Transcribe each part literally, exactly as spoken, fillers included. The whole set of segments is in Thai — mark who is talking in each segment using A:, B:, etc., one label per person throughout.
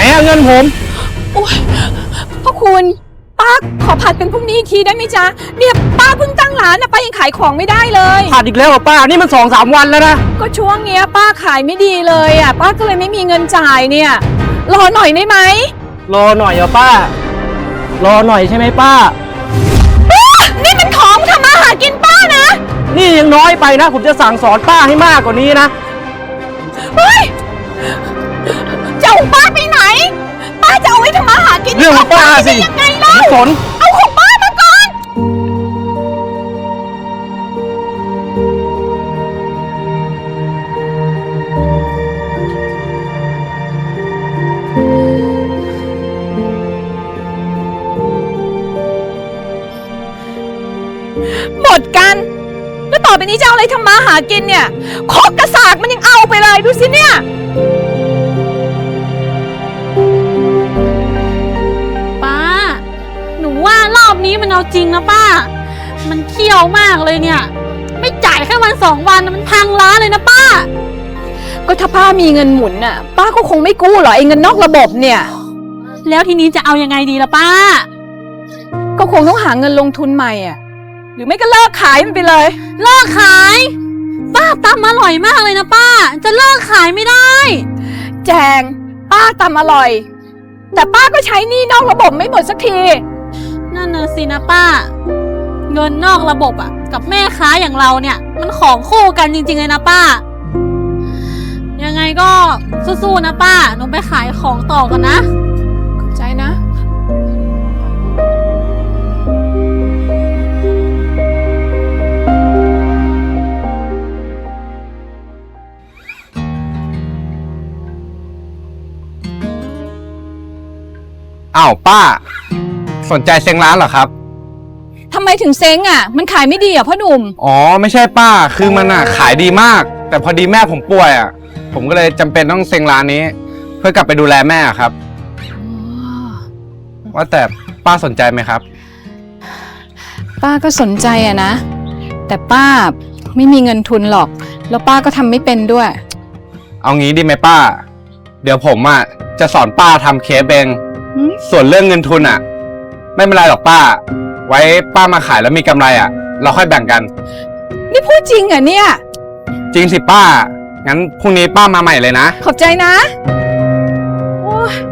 A: อะเงินผม
B: โอ้ยพ่อคุณป้าขอผัดเป็นพรุ่งนี้อีกทีได้ไหมจ๊ะเนี่ยป้าเพิ่งตั้งร้านนะป้ายังขายของไม่ได้เลย
A: ผัดอีกแล้วเหรอป้านี่มันสองสามวันแล้วนะ
B: ก็ช่วงเนี้ยป้าขายไม่ดีเลยอ่ะป้าก็เลยไม่มีเงินจ่ายเนี่ยรอหน่อยได้ไหม
A: รอหน่อยเหรอป้ารอหน่อยใช่ไหมป้า
B: นี่มันของทำมาหากินป้านะ
A: นี่ยังน้อยไปนะผมจะสั่งสอนป้าให้มากกว่านี้นะ
B: เฮ้ยจะเอาป้าไปไหนป้าจะเอาไว้ทำมาหากิน
A: เรื่องของป้าสิ
B: ยังไงเล่า
A: สน
B: เอาของป้ามาก่อนหมดกันแล้วต่อไปนี้จะเอาอะไรทำมาหากินเนี่ยคอกกระสากมันยังเอาไปเลยดูสิเนี่ย
C: ป้าหนูว่ารอบนี้มันเอาจริงนะป้ามันเขี้ยวมากเลยเนี่ยไม่จ่ายแค่วันสองวันมันพังร้านเลยนะป้า
B: ก็ถ้าป้ามีเงินหมุนน่ะป้าก็คงไม่กู้หรอกไอ้เงินนอกระบบเนี่ย
C: แล้วทีนี้จะเอายังไงดีล่ะป้า
B: ก็คงต้องหาเงินลงทุนใหม่อ่ะหรือไม่ก็เลิกขายมันไปเลย
C: เลิกขายป้าตำอร่อยมากเลยนะป้าจะเลิกขายไม่ได้
B: แจงป้าตำอร่อยแต่ป้าก็ใช้หนี้นอกระบบไม่หมดสักที
C: นั่นน่ะสินะป้าเงินนอกระบบอ่ะกับแม่ค้าอย่างเราเนี่ยมันของคู่กันจริงๆเลยนะป้ายังไงก็สู้ๆนะป้าหนูไปขายของต่อกันนะ
B: ขอบใจนะ
A: อ้าวป้าสนใจเซ็งร้านเหรอครับ
B: ทำไมถึงเซ็งอ่ะมันขายไม่ดีอ่ะพ่อหนุ่ม
A: อ๋อไม่ใช่ป้าคือมันอ่ะขายดีมากแต่พอดีแม่ผมป่วยอ่ะผมก็เลยจำเป็นต้องเซ็งร้านนี้เพื่อกลับไปดูแลแม่ครับว่าแต่ป้าสนใจไหมครับ
B: ป้าก็สนใจอ่ะนะแต่ป้าไม่มีเงินทุนหรอกแล้วป้าก็ทำไม่เป็นด้วย
A: เอางี้ดีไหมป้าเดี๋ยวผมอ่ะจะสอนป้าทำเคฟเองส่วนเรื่องเงินทุนอ่ะไม่เป็นไรหรอกป้าไว้ป้ามาขายแล้วมีกำไรอ่ะเราค่อยแบ่งกัน
B: นี่พูดจริงเหรอเนี่ย
A: จริงสิป้างั้นพรุ่งนี้ป้ามาใหม่เลยนะ
B: ขอบใจนะโอ้ย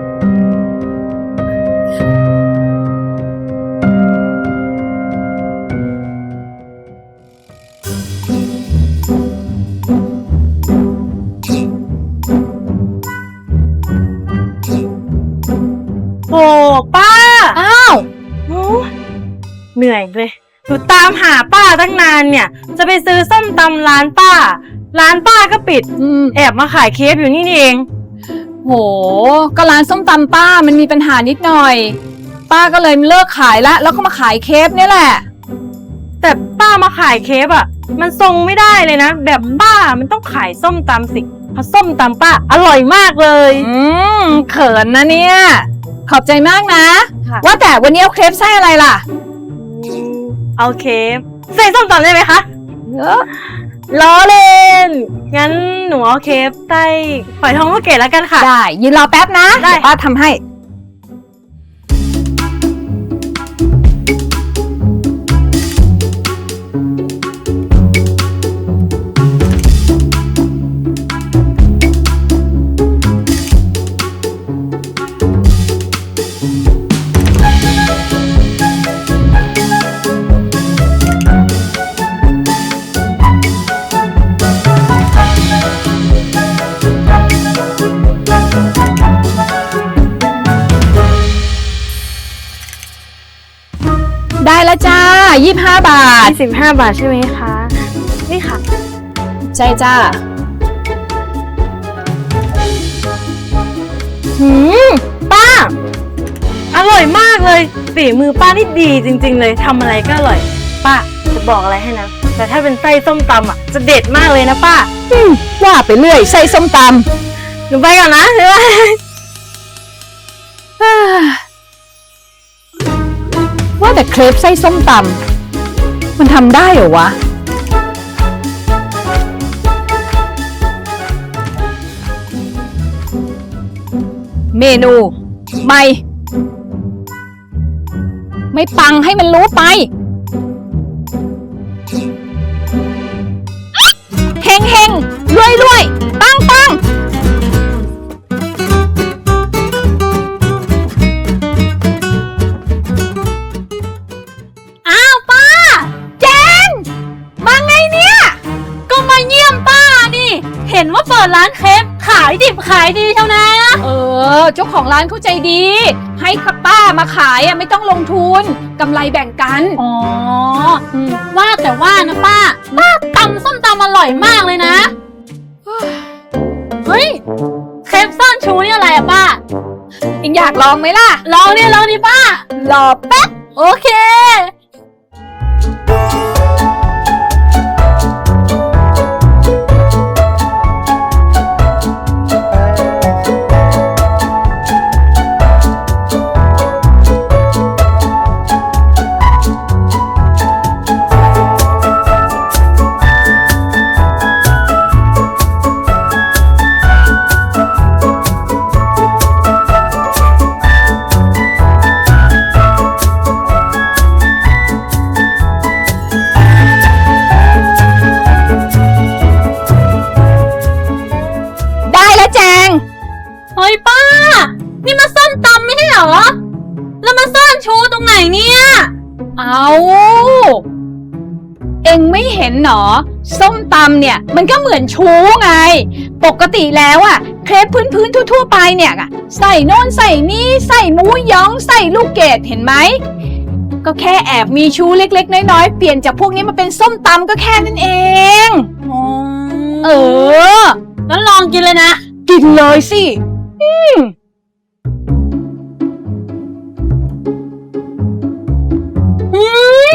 D: โอ้ป้า
B: อ้าว
D: เหนื่อยเลยหนูตามหาป้าตั้งนานเนี่ยจะไปซื้อส้มตำร้านป้าร้านป้าก็ปิดแอบมาขายเคฟอยู่นี่นี่เอง
B: โหก็ร้านส้มตำป้ามันมีปัญหานิดหน่อยป้าก็เลยเลิกขายละแล้วก็มาขายเคฟนี่แหละ
D: แต่ป้ามาขายเคฟอ่ะมันทรงไม่ได้เลยนะแบบป้ามันต้องขายส้มตำสิเพราะส้มตำป้าอร่อยมากเลย
B: อืมเขินนะเนี่ยขอบใจมากนะว่าแต่วันนี้เอาเครปไส้อะไรล่ะ
D: เอาเคฟใส่ส้มตำได้ไหมคะเออล้อเล่นงั้นหนูเอาเคฟไส้ฝอยทองลูกเกดแล้วกันค่ะ
B: ได้ยืนรอแป๊บนะได้ป้าทำให้ได้แล้วจ้ายี่สิบห้าบาท
D: สิบห้าบาทใช่ไหมคะนี่ค่ะ
B: ใช่จ้า
D: หืมป้าอร่อยมากเลยฝีมือป้านี่ดีจริงๆเลยทำอะไรก็อร่อยป้าจะบอกอะไรให้นะแต่ถ้าเป็นไส้ส้มตำอ่ะจะเด็ดมากเลยนะป้า
B: ว่าไปเรื่อยไส้ส้มต
D: ำหนูไปก่อนนะใช่ไหม
B: ว่าแต่เครปไส้ส้มตำมันทำได้เหรอวะ
D: ป
B: เมนูไม่ ไม่ปังให้มันรู้ไปเฮงเฮงรวยรวยปังปัง
C: อ้าวป้า
B: แจงมาไงเนี่ย
C: ก็มาเยี่ยมป้านี่ เห็นว่าเปิดร้านเคฟขายดิบขายดีเท่านะ
B: เออเจ้าของร้านเข้าใจดี ให้ป้ามาขายอ่ะไม่ต้องลงทุนกำไรแบ่งกัน
C: อ๋ออืมว่าแต่ว่านะป้า ป้าตำส้มตำอร่อยมากเลยนะ เฮ้ย เคฟซ่อนชูนี่อะไรอะป้า
B: เอ็งอยากลองไหมล่ะ
C: ลองดิลองดิป้า
B: รอแป๊บ
C: โอเค
B: ได้แล้วแจง
C: เฮ้ยป้า นี่มาส้มตำไม่ใช่เหรอ แล้วมาซ่อนชูตรงไหนเนี่ย
B: เอาเอ็งไม่เห็นหนอส้มตำเนี่ยมันก็เหมือนชูไง ปกติแล้วอะเครปพื้นๆทั่วๆไปเนี่ยอะใส่โน่นใส่นี่ใส่หมูหยองใส่ลูกเกดเห็นไหมก็แค่แอบมีชูเล็กๆน้อยๆเปลี่ยนจากพวกนี้มาเป็นส้มตำก็แค่นั้นเอง เออ
C: งั้นลองกินเลยนะ
B: กินเลยสิอืม
C: อืม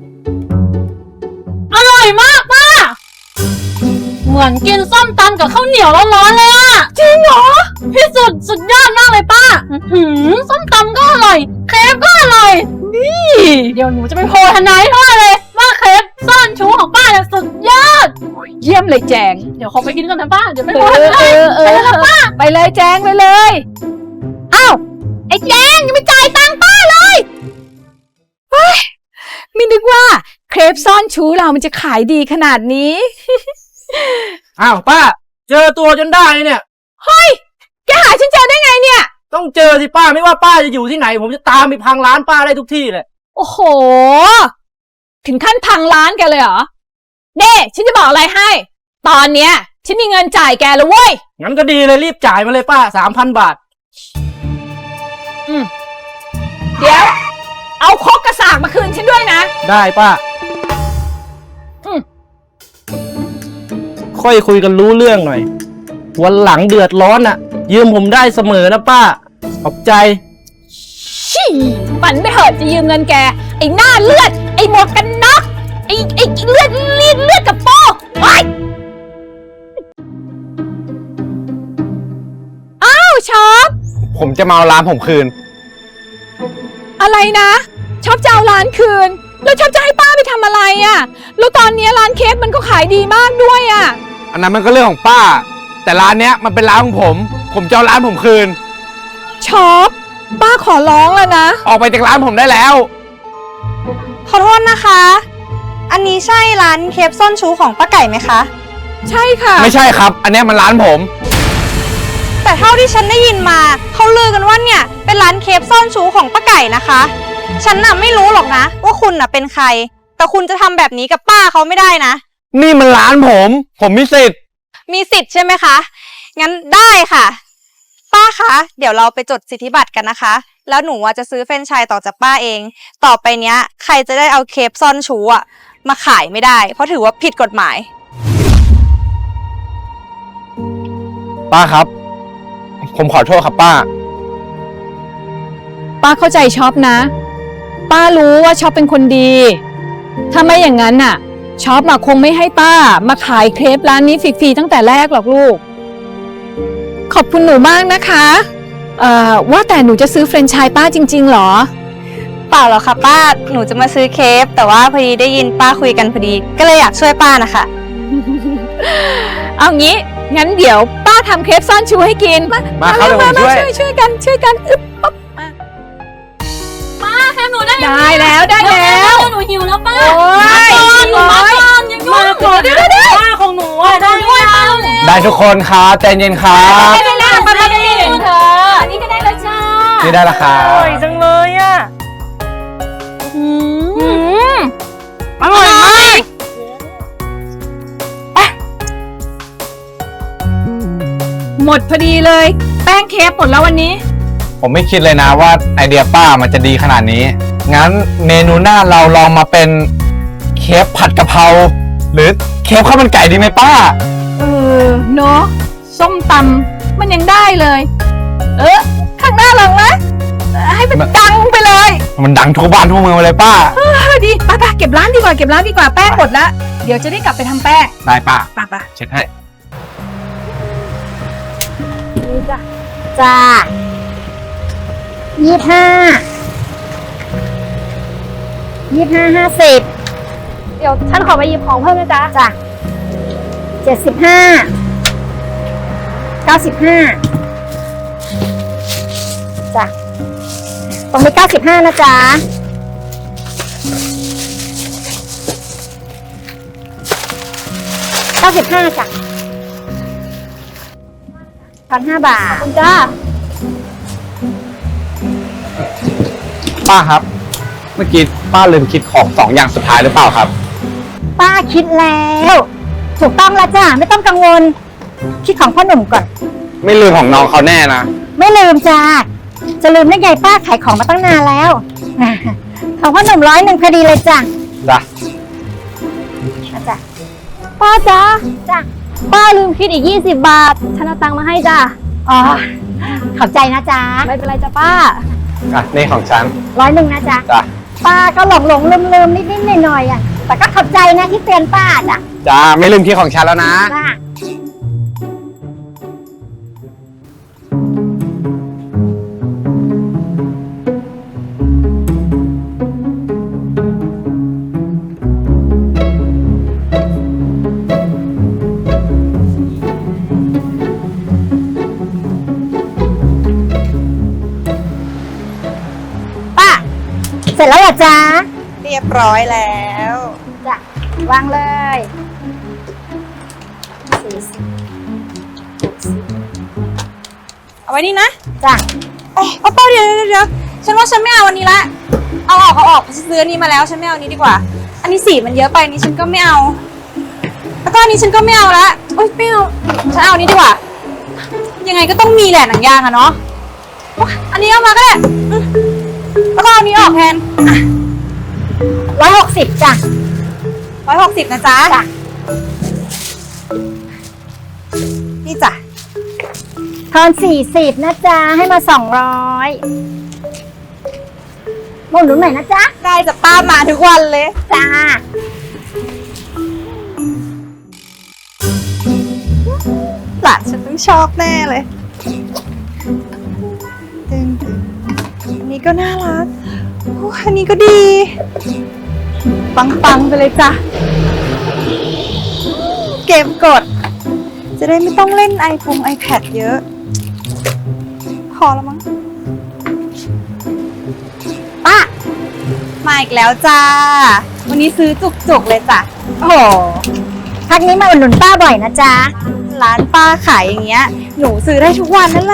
C: อร่อยมากป้า เหมือนกินส้มตำกับข้าวเหนียวร้อนๆเลยอะจริงเหรอ พี่สุดสุดยอดมากเลยป้าหืมส้มตำก็อร่อย เคฟก็อร่อย นี่ เดี๋ยวหนูจะไปโพลทนายพ่อเลย ว่าเคฟซ่อนชูของป้าเนี่ยสุดยอด
B: เยี่ยมเลยแจง
C: เดี๋ยวขอไปกินก่อนนะป้า เดี๋ยวไป
B: เอ
C: โพลท
B: อเอน
C: าย
B: อเออไปเลยแจงไปเลยอ้าวไอ้แจงยังไม่จ่ายตังค์ป้าเลยเฮ้ยไม่นึกว่าเครปซ่อนชูเรามันจะขายดีขนาดนี้
E: อ้าวป้า เจอตัวจนได้เนี่ย
B: เฮ้ยแกหาฉันเจอได้ไงเนี่ย
E: ต้องเจอสิป้าไม่ว่าป้าจะอยู่ที่ไหน ผมจะตามไปพังร้านป้าได้ทุกที่เลย
B: โอ้โห ถึงขั้นพังร้านแกเลยเหรอเน่ฉันจะบอกอะไรให้ ตอนเนี้ยฉันมีเงินจ่ายแกแล้วเว้ย
E: งั้นก็ดีเลยรีบจ่ายมาเลยป้าสามพันบาท
B: อืมเดี๋ยว เอาครกกระสากมาคืนฉันด้วยนะ
E: ได้ป้า
B: อืม
E: ค่อยคุยกันรู้เรื่องหน่อย วันหลังเดือดร้อนอ่ะ ยืมผมได้เสมอนะป้า ขอบใจ
B: ชี่ฝันไปเถิดจะยืมเงินแก ไอ้หน้าเลือด ไอ้หมวกกันน็อกไอ้ไอ้เลือดลีดเลือดกับโป้ไอ้อ้าวช็อป
A: ผมจะมาเอาร้านผมคืน
B: อะไรนะช็อปจะเอาร้านคืน แล้วช็อปจะให้ป้าไปทำอะไรอะ่ะแล้วตอนนี้ร้านเค้กมันก็ขายดีมากด้วยอะ่ะ
A: อันนั้นมันก็เรื่องของป้า แต่ร้านเนี้ยมันเป็นร้านของผม ผมจะเอาร้านผมคืน
B: ช็อปป้าขอร้องแล้วนะ
A: ออกไปจากร้านผมได้แล้ว
F: ขอโทษนะคะ อันนี้ใช่ร้านเคฟซ่อนชูของป้าไก่ไหมคะ
B: ใช่ค่ะ
A: ไม่ใช่ครับ อันเนี้ยมันร้านผม
F: แต่เท่าที่ฉันได้ยินมาเขาลือกันว่าเนี่ยเป็นร้านเคฟซ่อนชูของป้าไก่นะคะ ฉันน่ะไม่รู้หรอกนะว่าคุณน่ะเป็นใคร แต่คุณจะทำแบบนี้กับป้าเขาไม่ได้นะ
A: นี่มันร้านผม ผมมีสิทธิ์
F: มีสิทธิ์ใช่ไหมคะ งั้นได้ค่ะ ป้าคะ เดี๋ยวเราไปจดสิทธิบัตรกันนะคะ แล้วหนูอะจะซื้อเฟรนไชส์ต่อจากป้าเอง ต่อไปเนี้ย ใครจะได้เอาเคฟซ่อนชูอะมาขายไม่ได้ เพราะถือว่าผิดกฎหมาย
A: ป้าครับ ผมขอโทษครับป้า
B: ป้าเข้าใจช็อปนะ ป้ารู้ว่าช็อปเป็นคนดี ถ้าไม่อย่างนั้นน่ะช็อปอะคงไม่ให้ป้ามาขายเครปร้านนี้ฟรีๆตั้งแต่แรกหรอกลูก ขอบคุณหนูมากนะคะเอ่อว่าแต่หนูจะซื้อเฟรนไชส์ป้าจริงๆหรอ
F: เปล่าหรอกค่ะป้า หนูจะมาซื้อเคฟแต่ว่าพอดีได้ยินป้าคุยกันพอดี ก็เลยอยากช่วยป้านะคะ
B: เอางี้งั้นเดี๋ยวป้าทำเครปซ่อนชูให้กิน มา
A: มาครับ
B: เร็ว
A: เดี๋ยวผม
B: มา
A: ช่วย
B: ช่วยช่วยกันช่วยกันอึ๊บปั๊บ
C: ป้าแค่หนูได้
B: ได้แล้วได้แล้ว
C: หนูหิวแล้วป้า
B: โอ้ย
C: หนูมาก่อนยัง
D: มาก่อนเดี๋ยวเดี๋ยวป้าของหนูอ่ะได้
C: ด้วยป้า
A: ได้ทุกคนครับใจเย็นครับ
B: ได้แล้วป้าได้แล้วเธออันนี้ก็ได้แล้วจ้า
A: นี่ได้และครั
D: อบ ร่อยจังเลยอ่ะ
C: อืม
D: อร่อยมาก
B: หมดพอดีเลย แป้งเครปหมดแล้ววันนี้
A: ผมไม่คิดเลยนะว่าไอเดียป้ามันจะดีขนาดนี้ งั้นเมนูหน้าเราลองมาเป็นเคฟผัดกะเพราหรือเคฟข้าวมันไก่ดีไหมป้า
B: เออเนาะส้มตำมันยังได้เลย เออข้างหน้าลองนะเออให้มันดังไปเลย
A: มันดังทั่วบ้านทั่วเมืองเลยป้า
B: เออดีป้าป้าเก็บร้านดีกว่าเก็บร้านดีกว่าแป้งหมดแล้วเดี๋ยวจะได้กลับไปทำแป้ง
A: ได้ป้า
B: ป้าป้า
A: เช็ดให้
G: จ้ายี่ห้า ยี่ห้าห้าสิบ
F: เดี๋ยวฉันขอไปหยิบของเพิ่มนะจ๊ะ
G: จ้ะเจ็ดสิบห้า เก้าสิบห้า จ้ะ ตรงนี้เก้าสิบห้านะจ๊ะ เก้าสิบห้าจ้ะพันห้าบาท
F: คุณจ้า
A: ป้าครับ เมื่อกี้ป้าลืมคิดของสองอย่างสุดท้ายหรือเปล่าครับ
G: ป้าคิดแล้ว ถูกต้องแล้วจ้ะ ไม่ต้องกังวล คิดของพ่อหนุ่มก่อน
A: ไม่ลืมของน้องเขาแน่นะ
G: ไม่ลืมจ้า จะลืมได้ไงป้าขายของมาตั้งนานแล้ว ของพ่อหนุ่มร้อยหนึ่งพอดีเลยจ้ะ
A: จ้ะ
G: เอาจ้ะ
F: ป้าจ้า
G: จ้ะ
F: ป้าลืมคิดอีกยี่สิบบาท ฉันเอาตังค์มาให้จ้า
G: อ๋อ ขอบใจนะจ๊ะ
F: ไม่เป็นไรจ้ะป้า
A: อ่ะ นี่ของฉัน
G: ร้อยหนึ่งนะจ๊ะ
A: จ้ะ
G: ป้าก็หลงหลงลืมลืมนิดนิดหน่อยหน่อยๆอ่ะ แต่ก็ขอบใจนะที่เตือนป้าจ้ะ
A: จ้า ไม่ลืมคิดของฉันแล้วนะ
G: จ้ะ ป้า เสร็จแล้วเหรอจ๊ะ
F: เรียบร้อยแล้ว
G: จ้ะ วางเลยสี่สิบ
F: เอาไว้นี่นะ
G: จ้ะ
F: เอ้ยเอาป้าเดี๋ยวเดี๋ยวเดี๋ยวฉันว่าฉันไม่เอาวันนี้ละ เอาออกเอาออกฉันซื้ออันนี้มาแล้วฉันไม่เอาอันนี้ดีกว่า อันนี้สีมันเยอะไปอันนี้ฉันก็ไม่เอา แล้วก็อันนี้ฉันก็ไม่เอาละโอ๊ยไม่เอาฉันเอาอันนี้ดีกว่า ยังไงก็ต้องมีแหละหนังยางอะเนาะโอ๊ยอันนี้เอามาก็ได้อืมแล้วก็เอาอันนี้ออกแทน
G: ร้อยหกสิบจ้ะ
F: ร้อยหกสิบนะจ๊ะ
G: จ้ะ
F: นี่จ้ะ
G: ทอนสี่สิบนะจ๊ะ ให้มาสองร้อยหมุนหนุนหน่อยนะจ๊ะ
F: ได้จ้ะป้ามาทุกวันเลย
G: จ้า
F: หลานฉันต้องชอบแน่เลยตึงตึงอันนี้ก็น่ารักโอ้อันนี้ก็ดี ปังๆไปเลยจ้ะ เก็บกด จะได้ไม่ต้องเล่นไอพงไอแพดเยอะ พอแล้วมั้ง
G: ป้า
F: มาอีกแล้วจ้า วันนี้ซื้อจุกๆเลยจ้ะ
G: โอ้โห พักนี้มาอุดหนุนป้าบ่อยนะจ๊ะ
F: ร้านป้าขายอย่างเงี้ย หนูซื้อได้ทุกวันนั่นแหละ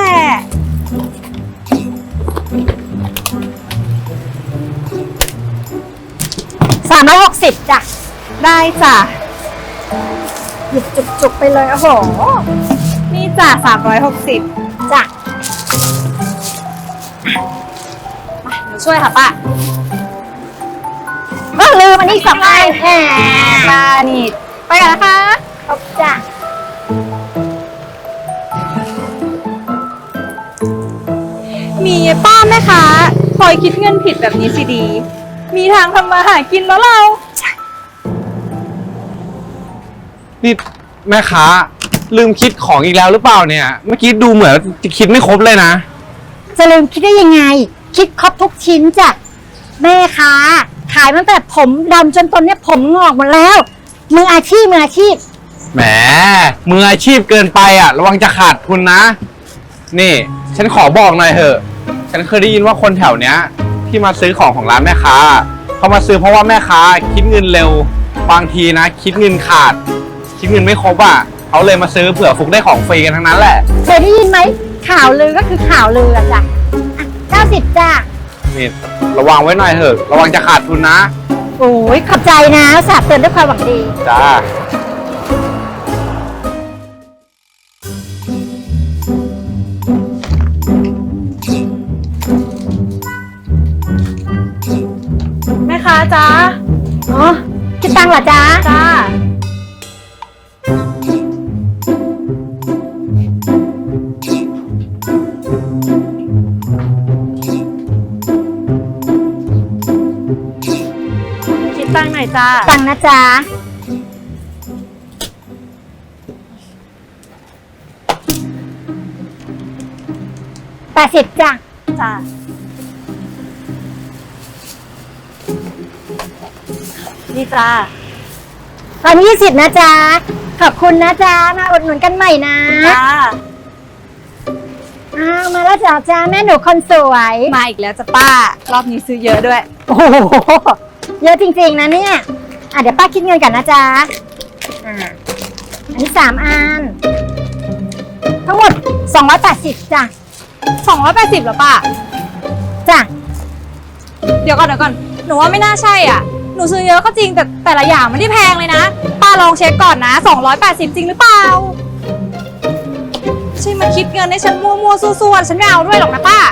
G: สามร้อยหกสิบจ้ะ
F: ได้จ้ะ
G: หยิบจุกๆไปเลย โอ้โห
F: นี่จ้ะสามร้อยหกสิบ
G: จ้ะ
F: หนูช่วยค่ะป้า
G: ก็ลืมอันนี้สองอันแหม
F: ป้านี่ ไปกันนะคะ
G: ขอบจ้ะ
F: มีป้าแม่ค้าคอยคิดเงินผิดแบบนี้สิดี มีทางทำมาหากินแล้วเรา
A: นี่แม่ค้าลืมคิดของอีกแล้วหรือเปล่าเนี่ย เมื่อกี้ดูเหมือนจะคิดไม่ครบเลยนะ
G: จะลืมคิดได้ยังไง คิดครบทุกชิ้นจ้ะ แม่ค้าขายมาตั้งแต่ผมดำจนตอนเนี้ยผมงอกหมดแล้ว มืออาชีพมืออาชีพ
A: แหมมืออาชีพเกินไปอ่ะ ระวังจะขาดทุนนะ นี่ ฉันขอบอกหน่อยเถอะ ฉันเคยได้ยินว่าคนแถวเนี้ย ที่มาซื้อของของร้านแม่ค้าเขามาซื้อเพราะว่าแม่ค้าคิดเงินเร็ว บางทีนะ คิดเงินขาด คิดเงินไม่ครบอ่ะเขาเลยมาซื้อเผื่อฟุกได้ของฟรีกันทั้งนั้นแหละ
G: เคยได้ยินไหมข่าวลือก็คือข่าวลืออะจ้ะเก้าสิบจ้ะ
A: นี่ระวังไว้หน่อยเถอะ ระวังจะขาดทุนนะ
G: โอ้ยขอบใจนะสาบเตือนด้วยความหวังดี
A: จ้า
D: แม่ค้าจ้า
G: อ๋อคิดตังค์เหรอจ๊ะ
D: จ้าคิดตังค์หน่อยจ้า
G: ตังค์นะจ๊ะแปดสิบจ้ะ
D: จ้านี่จ้า
G: ตอนยี่สิบนะจ๊ะ ขอบคุณนะจ๊ะ มาอุดหนุนกันใหม่นะ
D: จ้า
G: อ้าวมาแล้วจ้ะจ้าแม่หนูคนสวย
F: มาอีกแล้วจ้ะป้า รอบนี้ซื้อเยอะด้วย
G: โอ้โห เยอะจริงๆนะเนี่ย อ่ะเดี๋ยวป้าคิดเงินก่อนนะจ๊ะ อ่า อันนี้สามอัน ทั้งหมดสองร้อยแปดสิบจ้ะ
F: สองร้อยแปดสิบเหรอป้า
G: จ้ะ
F: เดี๋ยวก่อนเดี๋ยวก่อน หนูว่าไม่น่าใช่อ่ะ หนูซื้อเยอะก็จริงแต่แต่ละอย่างไม่ได้แพงเลยนะ ป้าลองเช็คก่อนนะสองร้อยแปดสิบจริงหรือเปล่าไม่ใช่มาคิดเงินให้ฉันมั่วๆซั่วๆฉันไม่เอาด้วยหรอกนะป้า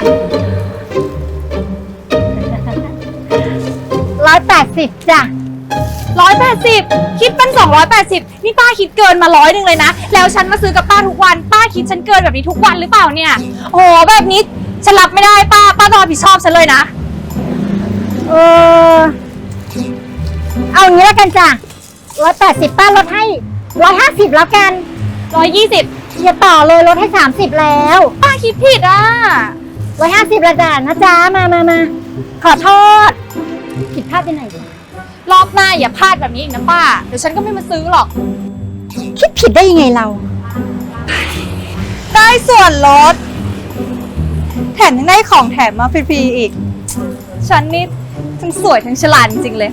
G: ร้อยแปดสิบจ้ะ
F: ร้อยแปดสิบคิดเป็นสองร้อยแปดสิบนี่ป้าคิดเกินมาร้อยหนึ่งเลยนะ แล้วฉันมาซื้อกับป้าทุกวัน ป้าคิดฉันเกินแบบนี้ทุกวันหรือเปล่าเนี่ย โอ้โหแบบนี้ฉันรับไม่ได้ป้า ป้าต้องรับผิดชอบฉันเลยนะ
G: เออ เอาอย่างนี้แล้วกันจ้ะร้อยแปดสิบป้าลดให้ร้อยห้าสิบแล้วกัน
F: ร้อยยี่สิบ
G: อย่าต่อเลยลดให้สามสิบแล้ว
F: ป้าคิดผิดอ่ะ
G: ร้อยห้าสิบละจ้ะนะจ๊ะ มามามา ขอโทษ ผิดพลาดไปไหนจ้ะ
F: รอบหน้าอย่าพลาดแบบนี้อีกนะป้า เดี๋ยวฉันก็ไม่มาซื้อหรอก
G: คิดผิดได้ยังไงเรา
F: ได้ส่วนลด แถมยังได้ของแถมมาฟรีๆอีก ฉันนี่ทั้งสวยทั้งฉลาดจริงๆเลย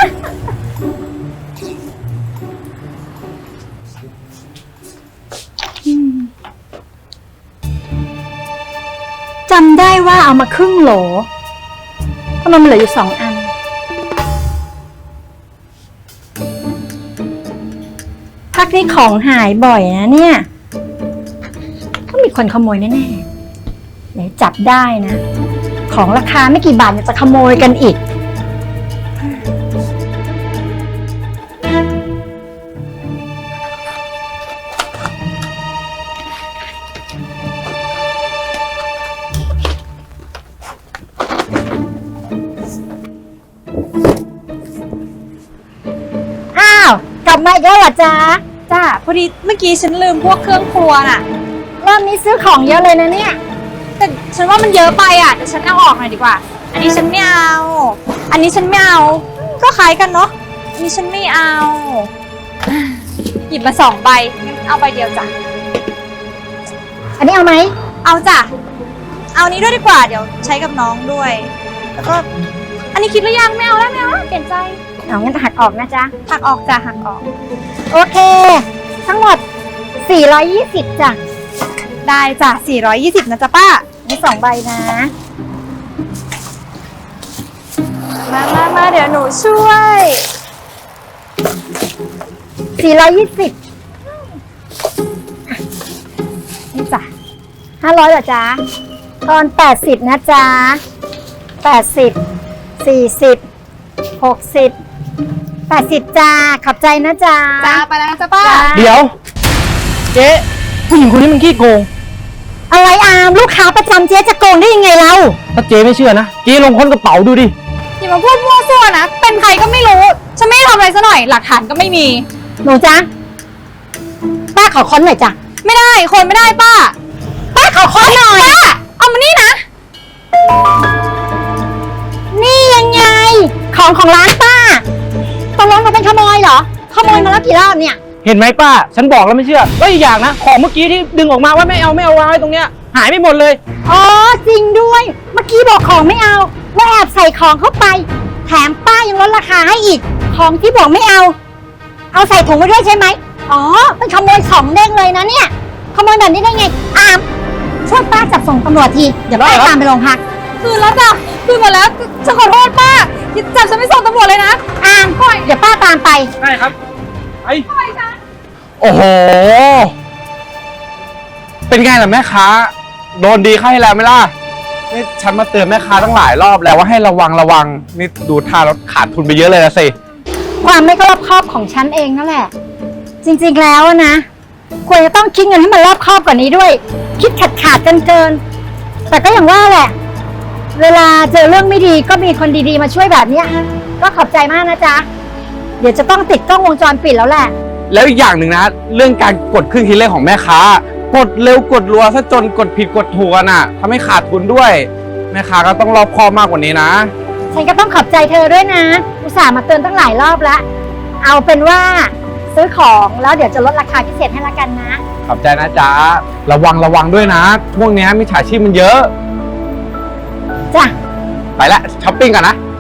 G: จำได้ว่าเอามาครึ่งโหลทำไมมันเหลืออยู่สองอัน พักนี้ของหายบ่อยนะเนี่ยต้องมีคนขโมยแน่ๆเดี๋ยวจับได้นะ ของราคาไม่กี่บาทเนี่ยจะขโมยกันอีก อ้าว กลับมาอีกแล้วเหรอจ๊ะ
F: จ้าพอดีเมื่อกี้ฉันลืมพวกเครื่องครัวน่ะ
G: รอบนี้ซื้อของเยอะเลยนะเนี่ย
F: แต่ฉันว่ามันเยอะไปอ่ะเดี๋ยวฉันเอาออกหน่อยดีกว่า อันนี้ฉันไม่เอา อันนี้ฉันไม่เอา ก็คล้ายกันเนาะ อันนี้ฉันไม่เอา หยิบมาสองใบงั้นเอาใบเดียวจ้ะ
G: อันนี้เอาไหม
F: เอาจ้ะ เอานี้ด้วยดีกว่า เดี๋ยวใช้กับน้องด้วย แล้วก็ อันนี้คิดหรือยังไม่เอาแล้วไม่เอาแล้วเปลี่ยนใจ
G: เอางั้นหักออกนะจ๊ะ
F: หักออกจ้ะหักออก
G: โอเค ทั้งหมด สี่ร้อยยี่สิบจ้ะ
F: ได้จ้ะสี่ร้อยยี่สิบนะจ๊ะป้า
G: มีสองใบนะ
F: มามามาเดี๋ยวหนูช่วย
G: สี่ร้อยยี่สิบนี่จ้ะห้าร้อยเหรอจ๊ะ ตอนแปดสิบนะจ๊ะแปดสิบ สี่สิบ หกสิบ แปดสิบจ้า ขอบใจนะจ๊ะ
F: จ้าไปแล้วนะจ๊ะป้า
E: เดี๋ยว เจ๊ผู้หญิงคนนี้มันขี้โกง
G: อะไรอามลูกค้าประจำเจ๊จะโกงได้ยังไงเรา
E: ถ้าเจ๊ไม่เชื่อนะ เจ๊ลองค้นกระเป๋าดูดิ
F: อย่ามาพูดมั่วซั่วนะ เป็นใครก็ไม่รู้ ฉันไม่ได้ทำอะไรซะหน่อย หลักฐานก็ไม่มี
G: หนูจ๊ะ ป้าขอค้นหน่อยจ้ะ
F: ไม่ได้ คนไม่ได้ป้า
G: ป้าขอค้นหน่อย
F: ป้า เอามานี่นะ
G: นี่ยังไง ของของร้านป้าตกลงเราเป็นขโมยเหรอ ขโมยมาแล้วกี่รอบเนี่ย
E: เห็นไหมป้า ฉันบอกแล้วไม่เชื่อก็อีกอย่างนะของเมื่อกี้ที่ดึงออกมาว่าไม่เอาไม่เอาวางไว้ตรงเนี้ยหายไปหมดเลย
G: อ๋อจริงด้วย เมื่อกี้บอกของไม่เอาว่าแอบใส่ของเข้าไป แถมป้ายังลดราคาให้อีก ของที่บอกไม่เอา เอาใส่ถุงไว้ด้วยใช่ไหมอ๋อเป็นขโมยของเด้งเลยนะเนี่ยขโมยแบบนี้ได้ไงอามช่วยป้าจับส่งตำรวจทีเดี๋ยวป้าตามไปโรงพัก
B: คืนแล้วจ้ะคืนหมดแล้วฉันขอโทษป้าอย่าจับฉันไม่ส่งตำรวจเลยนะ
G: อามเดี๋ยวป้าตามไป
E: ได้ครับไอ
A: โอ้โห เป็นไงล่ะแม่ค้า โดนดีเข้าให้แล้วไหมล่ะ นี่ฉันมาเตือนแม่ค้าตั้งหลายรอบแล้วว่าให้ระวังระวัง นี่ดูท่าแล้วขาดทุนไปเยอะเลยนะสิ
G: ความไม่รอบคอบของฉันเองนั่นแหละ จริงๆแล้วอะนะควรจะต้องคิดเงินให้มันรอบคอบกว่านี้ด้วย คิดขาดขาดกันเกินๆแต่ก็อย่างว่าแหละ เวลาเจอเรื่องไม่ดีก็มีคนดีๆมาช่วยแบบเนี้ยก็ขอบใจมากนะจ๊ะเดี๋ยวจะต้องติดกล้องวงจรปิดแล้วแหละ
A: แล้วอีกอย่างหนึ่งนะ เรื่องการกดเครื่องคิดเลขของแม่ค้ากดเร็วกดรัวซะจนกดผิดกดถูกกันอ่ะทำให้ขาดทุนด้วย แม่ค้าก็ต้องรอบคอบมากกว่านี้นะ
G: ฉันก็ต้องขอบใจเธอด้วยนะอุตส่าห์มาเตือนตั้งหลายรอบแล้วเอาเป็นว่าซื้อของแล้วเดี๋ยวจะลดราคาพิเศษให้ละกันนะ
A: ขอบใจนะจ๊ะ ระวังระวังด้วยนะพวกเนี้ยมิจฉาชีพมันเยอะ
G: จ้ะ
A: ไปละช้อปปิ้งกันนะ